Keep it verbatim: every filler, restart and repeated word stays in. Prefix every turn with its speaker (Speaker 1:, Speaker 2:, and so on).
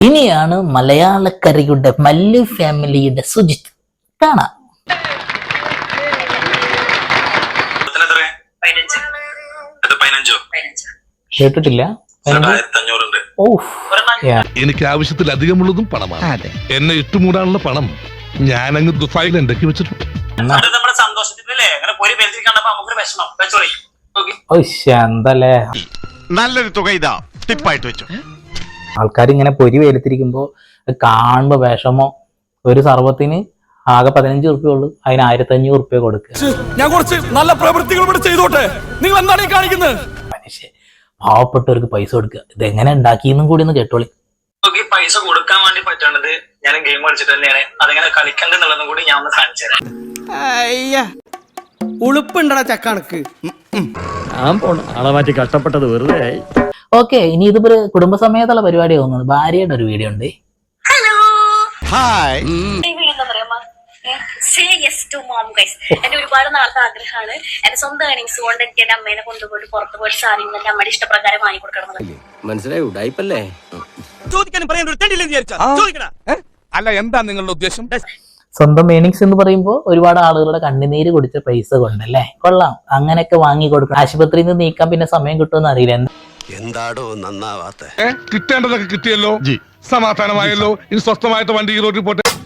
Speaker 1: ഇനിയാണ് മലയാളക്കരയുടെ മല്ലു ഫാമിലിയുടെ സുജിത്ത് കാണാം. കേട്ടിട്ടില്ല.
Speaker 2: എനിക്ക് ആവശ്യത്തിലധികമുള്ളതും പണമാണ്. എന്നെ ഇട്ടുമൂടാനുള്ള പണം ഞാൻ അങ്ങ് ദുഫായിൽ ഉണ്ടാക്കി വെച്ചിട്ടുണ്ട്.
Speaker 3: നല്ലൊരു തുക ഇതാ ടിപ്പായിട്ട് വെച്ചു.
Speaker 1: ആൾക്കാർ ഇങ്ങനെ പൊരി വേലത്തിരിക്കുമ്പോ കാണുമ്പോ വിഷമോ. ഒരു സർവത്തിന് ആകെ പതിനഞ്ച് ഉറുപ്പ്യ ഉള്ളു, അതിന് ആയിരത്തി അഞ്ഞൂറ് ഉറുപ്പ്യ കൊടുക്കുക.
Speaker 4: ഞാൻ കുറച്ച് നല്ല പ്രവൃത്തികൾ ചെയ്തോട്ടെ, നിങ്ങൾ എന്താണ് ഈ കാണിക്കുന്നത്?
Speaker 1: മനുഷ്യ പാവപ്പെട്ടവർക്ക് പൈസ കൊടുക്കുക. ഇതെങ്ങനെ ഉണ്ടാക്കിയെന്നും കൂടി ഒന്ന് കേട്ടോളി.
Speaker 5: പൈസ കൊടുക്കാൻ വേണ്ടി പറ്റേണ്ടത് ഞാൻ ഗെയിം കളിച്ചിട്ട് തന്നെയാണ്. അതെങ്ങനെ കളിക്കണ്ടെന്നുള്ളതും കൂടി ഞാൻ ഒന്ന് കാണിച്ചു തരാം.
Speaker 6: ഉളുപ്പുണ്ടടാ ചക്കണക്ക്.
Speaker 7: ഞാൻ പോണു ആളെ മാറ്റി കഷ്ടപ്പെട്ടത് വെറുതെ ആയി.
Speaker 1: ഓക്കെ, ഇനി ഇതിപ്പോ കുടുംബസമേതമുള്ള പരിപാടി തോന്നുന്നു. ഭാര്യയുടെ ഒരു വീഡിയോ ഉണ്ട്.
Speaker 8: എന്റെ ഒരുപാട് നാളത്തെ ആഗ്രഹമാണ് എന്റെ സ്വന്തം ഏണിങ്സ് കൊണ്ട് എനിക്ക് എന്റെ അമ്മേനെ കൊണ്ടുപോയിട്ട് പുറത്തു പോയിട്ട് സാരി എന്റെ അമ്മയുടെ ഇഷ്ടപ്രകാരം വാങ്ങി കൊടുക്കണം.
Speaker 7: മനസ്സിലായി ഉടായിപ്പല്ലേ?
Speaker 4: അല്ല, എന്താ നിങ്ങളുടെ ഉദ്ദേശം?
Speaker 1: സ്വന്തം ഏണിങ്സ് എന്ന് പറയുമ്പോൾ ഒരുപാട് ആളുകളുടെ കണ്ണുനീര് കുടിച്ച പൈസ കൊണ്ടല്ലേ. കൊള്ളാം, അങ്ങനെയൊക്കെ വാങ്ങി കൊടുക്കണം. ആശുപത്രിയിൽ നിന്ന് നീക്കാൻ പിന്നെ സമയം കിട്ടുമെന്ന് അറിയില്ല.
Speaker 3: എന്താടോ നന്നാവാത്ത?
Speaker 2: കിട്ടേണ്ടതൊക്കെ കിട്ടിയല്ലോ, സമാധാനമായല്ലോ. ഇനി സ്വസ്ഥമായിട്ട് വണ്ടി ഈ റോഡിൽ പോട്ടെ.